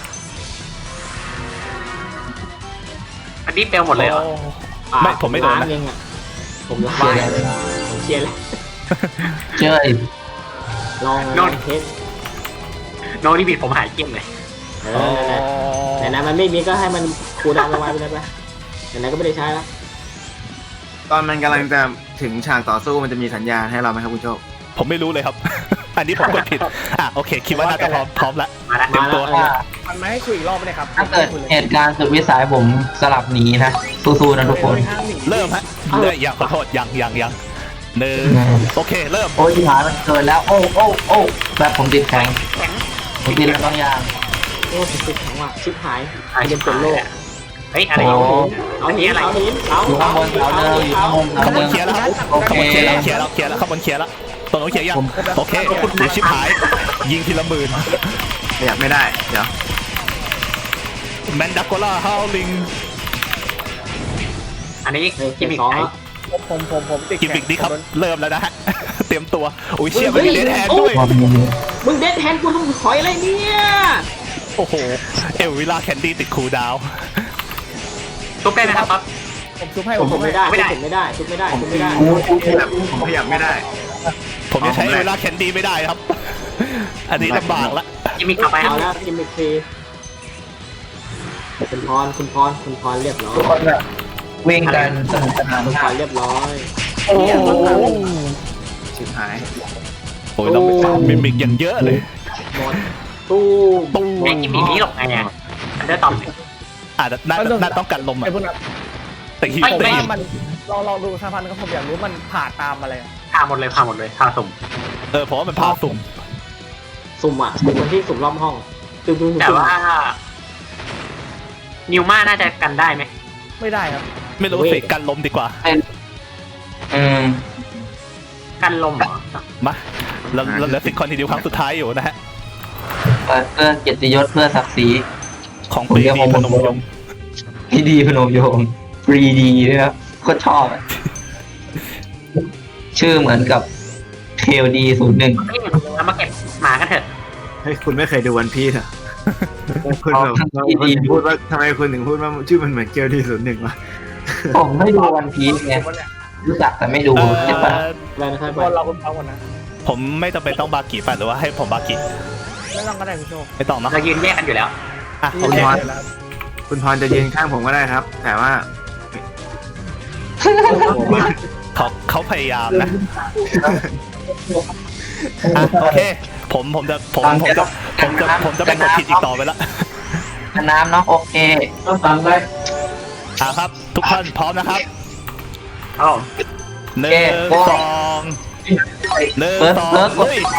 Speaker 1: อันนี้เปลหมดเลยเหรอ
Speaker 2: ไม่ผมไม่โดนนะ
Speaker 6: เองอ่ะผมล้างเลยผมเคลียร์แล้ว
Speaker 3: เจ้ย
Speaker 6: ลองลองเทส
Speaker 1: โนลิมิตผมหายเกลี้ยงเลย
Speaker 6: เออนั่นแหละไหนๆมันไม่มีก็ให้มันคูลดาวน์ไว้ไปเลยไปไหนๆก็ไม่ได้ใช้แล้ว
Speaker 5: ตอนมันกำลังจะถึงฉากต่อสู้มันจะมีสัญญาณให้เราไหมครับคุณโชค
Speaker 2: ผมไม่รู้เลยครับ อันนี้ผมกดผิดอ่ะโอเคคิดว่าน่าจะพร้อมพร้อมละ
Speaker 1: มาแล้ว
Speaker 2: เตรียมตัว
Speaker 6: มาแล้ว
Speaker 4: มันไม่ให้คุยอีกรอบเลยครับ
Speaker 3: ถ้าเกิดเหตุการณ์สุดวิสัยผมสลับหนีนะสู้ๆนะทุกคน
Speaker 2: เริ่มฮะเริ่มอย่างขอโทษยังยังยังหนึ่งโอเคเริ่ม
Speaker 3: โอ้ยที่หายมันเกินแล้วโอ้โอ้โอ้แบบผมติดแข็งผมติดแล้วบางอย่าง
Speaker 6: โอ้ติดแข็งว่ะชิบหาย
Speaker 1: หายเป็นโลกเฮ้ยอะไร
Speaker 3: โอ้
Speaker 6: เอาหินเอาหินเอา
Speaker 3: อยู่ข้างบนเสาเดิมอยู่ข้างบน
Speaker 2: ข
Speaker 3: เสา
Speaker 2: บ
Speaker 3: เดิ
Speaker 2: วน
Speaker 3: ม
Speaker 2: เคลียร์แล้วครับ
Speaker 3: โอ
Speaker 2: ข
Speaker 3: เค
Speaker 2: บวนเคลียร์แล้วเคลียร์แล้วเคลียร์แล้วขบวนเคลียร์แล้วตรงนู้นเคลียร์ยังโอเคเดี๋ยวชิบหาย ยิงทีละหมื่น
Speaker 5: ขยับไม่ได้เดี๋ยว
Speaker 2: แมนดาโกล่าฮาวลิง
Speaker 1: อันนี้
Speaker 6: เฮ้ย
Speaker 1: กิมมิค
Speaker 6: สอง
Speaker 1: ไหน
Speaker 6: แล้ว
Speaker 4: ผมผมผมติด
Speaker 2: กิมมิกนี้ครับเริ่มแล้วนะฮะเตรียมตัวอุ้ยเชี่ย
Speaker 6: เฮ้
Speaker 2: มัน
Speaker 6: ย
Speaker 2: มีเลนแฮนด้วย
Speaker 6: มึงเด็ดแทนกูทำหอยอะไรเนี่ย
Speaker 2: โอ้โหเอลวิลาแคนดี้ติดคูลดาวน์
Speaker 1: ตุ๊กได้ไหมครับปั๊บ
Speaker 4: ผมซุปให้
Speaker 6: ผม
Speaker 4: ผม
Speaker 6: ไม่ได้ผมไม่ได้ทุบไม่ได้ทุบไม่ได้
Speaker 5: ขยับผมขยับไม่ได้
Speaker 2: ผมจะใช้เอลวิลาแคนดี้ไม่ได้ครับ อันนี้ลำบากละ
Speaker 1: กิมมิคกลับไปครั
Speaker 6: เอา
Speaker 1: บ
Speaker 6: แล้วกิมมิคฟรีคุณพรคุณพรคุณพรเรียบร้อย
Speaker 3: ทุกคนแบบวิ่งกันสนุกสนาน
Speaker 6: คุณพ
Speaker 3: มาร ก
Speaker 6: เรียบร้อย
Speaker 4: โอ้โห
Speaker 5: ชิบหาย
Speaker 2: โอ้ยเรามิมิกอย่างเยอะเลย
Speaker 6: หมดตู้
Speaker 2: ตุ้ง
Speaker 1: ไอ้กิมมิคนี้หรอกไงอ่ะอันเดอร์ตอม
Speaker 2: อ่ะน่าน่าต้องกันลมอ่ะ
Speaker 4: ไอ้พวกนั้น
Speaker 2: แต่ฮิว
Speaker 4: ผม
Speaker 2: แต่
Speaker 4: ว่า
Speaker 2: ฮิว
Speaker 4: มันลองลองดูสะพานก็ผมอยากรู้มันผ่าตามอะไร
Speaker 1: พาหมดเลยพาหมดเลยพาสุ่ม
Speaker 2: เออผมว่ามันพาสุ่ม
Speaker 6: สุ่มอ่ะเป็นคนที่สุ่มรอบห้องตึ้งตึ้ง
Speaker 1: แต่ว่านิวมาน่าจะกันได้ไหม
Speaker 4: ไม่ได้ครับ
Speaker 2: ไม่รู้สิกันลมดีกว่า
Speaker 3: อืม
Speaker 1: กันลมเหรอ
Speaker 2: มาเราเราเหลือสิบคอนทีเดียวครั้งสุดท้ายอยู่นะฮะ
Speaker 3: เปิดเพื่อเกียรติยศเพื่อศักดิ์ศรี
Speaker 2: ของปรีดีพนมยงค์
Speaker 3: ที่ดีพนมโยงฟรีดีด้วยครับโคตรชอบอะชื่อเหมือนกับเคลดีศูนย์หนึ่ง
Speaker 1: เฮ้ยเรามาเก็บหมากันเถอะ
Speaker 5: เฮ้ยคุณไม่เคยดูวันพีซเหรอคุณแบบคุณพูดว่าทำไมคุณถึงพูดว่าชื่อมันเหมือนเกลที่ศูนย์หนึ่งวะ
Speaker 3: ผมไม่ดูวันพีซไงรู้จักแต่ไม่ดู
Speaker 2: เอ่
Speaker 3: ใช่ปะ
Speaker 2: อ
Speaker 6: อะไรนะครับ
Speaker 4: บอลเราคนฟังก่อนนะ
Speaker 2: ผมไม่จำเป็นต้องบากิไปหรือว่าให้ผมบากิ
Speaker 4: ไม่ต้องก็ได้คุณโชค
Speaker 2: ไม่ต้องเนาะ
Speaker 1: เรายืนแยกกันอยู่แล้ว
Speaker 2: อ่ะ
Speaker 4: ที่
Speaker 2: โอเค
Speaker 4: แรกเลยแล้ว
Speaker 5: คุณพรจะยืนข้างผมก็ได้ครับ แต่ว่า
Speaker 2: เขาเขาพยายามนะอ่ะโอเค ผมผมจะผมผมจะผมจะผมจะไม่กดผิดอีกต่อไปละ
Speaker 3: น้ำเนาะโอเคต้องฟังได้
Speaker 2: อ่ะครับ ทุกท่านพร้อมนะครับ
Speaker 1: เอ้า
Speaker 2: หนึ่งสองหนึ่งสองลุย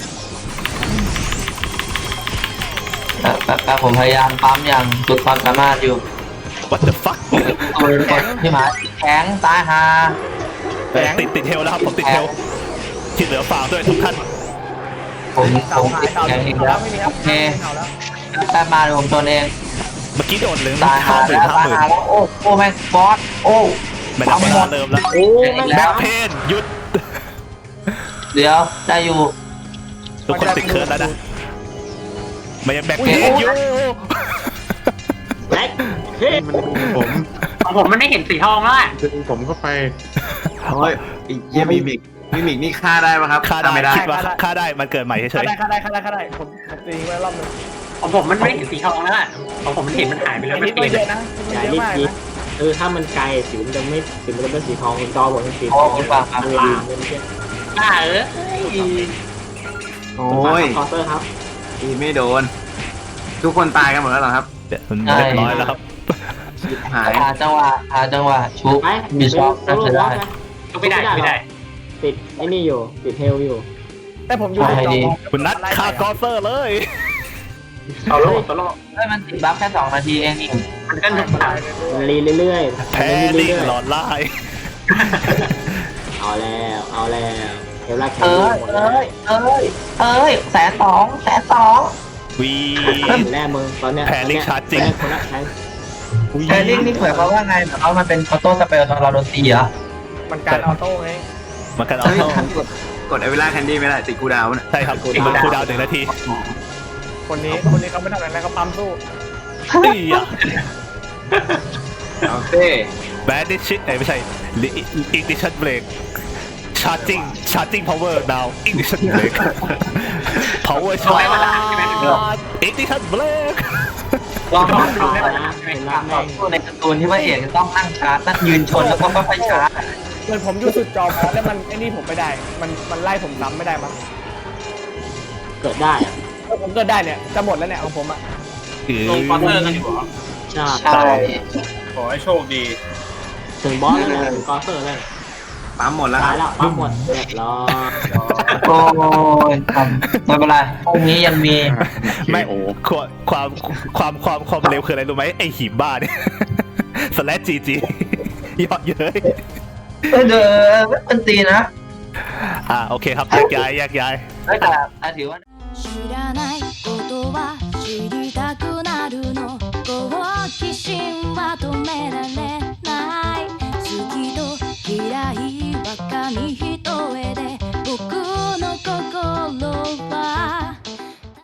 Speaker 3: แป๊บแป๊บผมพยายามปั๊มอย่างสุดความสามารถอยู่
Speaker 2: what the fuck
Speaker 3: ตัวกดพี่หมาแข็งตายฮา
Speaker 2: ติดติดเทลแล้วครับผมติดเทลที่เหลือฝากด้วยทุกท่าน
Speaker 3: ผม
Speaker 4: เสา
Speaker 3: ผม
Speaker 4: หาย
Speaker 3: ติด
Speaker 4: เสา
Speaker 3: แข็งอีก
Speaker 4: แล้
Speaker 3: แล้ว ว
Speaker 4: ไม่มีค
Speaker 3: โอ
Speaker 4: รับ
Speaker 3: เค
Speaker 4: เสาแล้ว
Speaker 3: แป๊บมาเดี๋ยวผมตัวเอง
Speaker 2: เมื่อกี้โดนเหลือง
Speaker 3: ตาย
Speaker 2: ห้า
Speaker 3: ฮา
Speaker 2: หมื่น
Speaker 3: แล้ว
Speaker 2: ห้า
Speaker 3: ตาย
Speaker 2: หมื่น
Speaker 3: ฮาแล้วโอ้โอ้แม่งบอสโอ้
Speaker 2: ไม่ได้เวลาเริ่มแล้ว
Speaker 6: โอ้แม่ง
Speaker 2: แบ็ค
Speaker 6: สาม
Speaker 2: เพนหยุด
Speaker 3: เดี๋ยวได้อยู่
Speaker 2: ทุกคนติดเคิร์ดแล้วนะมันยังแบ็คเพนอยู่
Speaker 6: แบ็คเฮ้ย
Speaker 7: ผม
Speaker 1: ของผมมันไม่เห็นสีทองแล้วอ่ะ
Speaker 7: ดึงผมเข้าไป
Speaker 5: โอ้ยไอ้เยี่ยมีมิกมิมิกนี่ฆ่าได้ปะครับ
Speaker 2: ฆ่าได้
Speaker 5: ไม่ได้
Speaker 2: คิดว่าฆ่าได้มันเกิดใหม่เฉ
Speaker 4: ฆ่าย ได้ฆ่าได้ฆ่าได้ฆ่าได้ผมผมตีไว้รอบนึง
Speaker 1: ของผมมันไม่เห็นสีทองแล้วอะของผมมันเห็นมันหายไปเลย
Speaker 4: ไอ้
Speaker 1: ไม่
Speaker 4: นี่
Speaker 1: เปลี่ยน
Speaker 4: เยอะนะ
Speaker 6: อย่า
Speaker 4: เยอะ
Speaker 6: รีบ
Speaker 4: มาก
Speaker 6: คิด
Speaker 4: นะ
Speaker 6: เออถ้ามันไกลสิวมันจะไม่สิวมันจะเป็นสีทองจอผมเป็นสีทองมันลามเลยเมื่อกี้
Speaker 1: อ่าเออ
Speaker 5: โอ้ย
Speaker 6: คอเตอร์ครับ
Speaker 5: ตีไม่โดน ทุกคนตายกันหมดแล้วเหรอครับ
Speaker 2: ๆเดี๋ยวมันเรียบร้อยแล้วครับ
Speaker 5: ชิบหาย
Speaker 3: หาจังหวะหาจังหวะชุบ
Speaker 6: ไป
Speaker 3: มีช็อค
Speaker 6: โซโล่
Speaker 3: จะ
Speaker 6: วอ
Speaker 3: ได้
Speaker 6: ล์กนะ
Speaker 1: ก็ไม่ได้ไม่ได้
Speaker 6: ติดไอ้นี่อยู่ติดเฮลอยู่
Speaker 4: แต่ผมอยู่ในจอ
Speaker 2: คุณนัดฆ่ากอเซอร์เลย
Speaker 1: โซโล่โซโล่
Speaker 3: เฮ้ยมันติดบัฟแค่สองนาทีเองนี่
Speaker 1: มันก็หนุกหนัก
Speaker 6: มันรีเรื่อยๆ
Speaker 2: แพ้
Speaker 6: มันรี
Speaker 2: นิ่ง
Speaker 6: เรื่อย
Speaker 2: หลอนไล่
Speaker 6: ๆเอาแล้วเอาแล้วเฮลล่าแค
Speaker 3: เอ้
Speaker 6: รี่
Speaker 3: ย
Speaker 6: หมดแล้ว
Speaker 3: เอ้ยเอ้ยเอ้ยแสนสองแสนสอง
Speaker 2: วี
Speaker 6: แน่มึงตอนเนี้ย
Speaker 2: แพลิกชาร์จจริง
Speaker 6: ตอนเนี้ยคนละใช้
Speaker 3: แคริ่งนี่หมายความว่าไงแบบว่ามันเป็นออโต้สเปลตอนเราโดนตีเหรอ
Speaker 4: มันการออโต้ไง
Speaker 2: มันกันเอา
Speaker 5: เฮ้ย
Speaker 2: เข้าก
Speaker 5: ดกดเอเวล่าแคนดี้ไม่ได้ติดกูดาวน์นะ
Speaker 2: ใช่ครับมันคูลดาวน์หนึ่งนาที
Speaker 4: คนนี้คนนี้เขาไม่ทำอะไรนะเขาปั๊มสู้
Speaker 2: นี่อ่ะ
Speaker 5: เอาเต้
Speaker 2: แบดดิชิตไม่ใช่อิกดิชันเบรกชาร์จิงชาร์จิงพาวเวอร์ดาวอิกดิชันเบรกพาวเวอร์ชาร์จอิกดิชันเบรก
Speaker 3: ลอง
Speaker 6: ต่
Speaker 3: ต่
Speaker 6: อ
Speaker 3: อ
Speaker 6: ต่อ
Speaker 3: นะ
Speaker 6: นะเฮลล่า
Speaker 3: ต่อ
Speaker 6: แม่ง
Speaker 3: สู้ในการ์ตูนที่ว่าเอกจะต้องนั่งชาร์จนั่งยืนชนแล้วก็ค่อยๆชาร์จ
Speaker 4: เหมือนผมอยู่สุดจอพอแล้วมันไอ้นี่ผมไม่ได้ มันมันไล่ผมซ้ำไม่ได้มั้ง
Speaker 6: เกิดได้อะ
Speaker 4: ถ้าผมเกิดได้เนี่ยจะหมดแล้วเนี่ยของผมอ่ะ
Speaker 1: ลงคอนเตอร์กันอยู่เหรอ
Speaker 6: ใช่
Speaker 3: ใช่
Speaker 7: ขอให้โชคดี
Speaker 6: ถึงบอสแล้วนะถึงกอเตอร์แล้ว
Speaker 5: ปั๊มหมดแล้วค
Speaker 6: ตาย
Speaker 5: รับ
Speaker 6: แล้วปั๊มหมดเรียบร้อย
Speaker 3: โอ้ยทำไม่เป็นไรพรุ่งนี้ยังมี
Speaker 2: ไม่
Speaker 7: โอ้
Speaker 2: ความความความความความเร็วคืออะไรรู้ไหมไอหิมบ้าเนี่ยสแลชจีจียอดเย้ย
Speaker 3: เออเด้อไม่เป็นตีนะ
Speaker 2: อ่าโอเคครับแยกย้ายแยกย้าย
Speaker 3: ไม่แต่อ่ะถือว่า
Speaker 8: 知らないことは知りたくなるの好奇心は止められ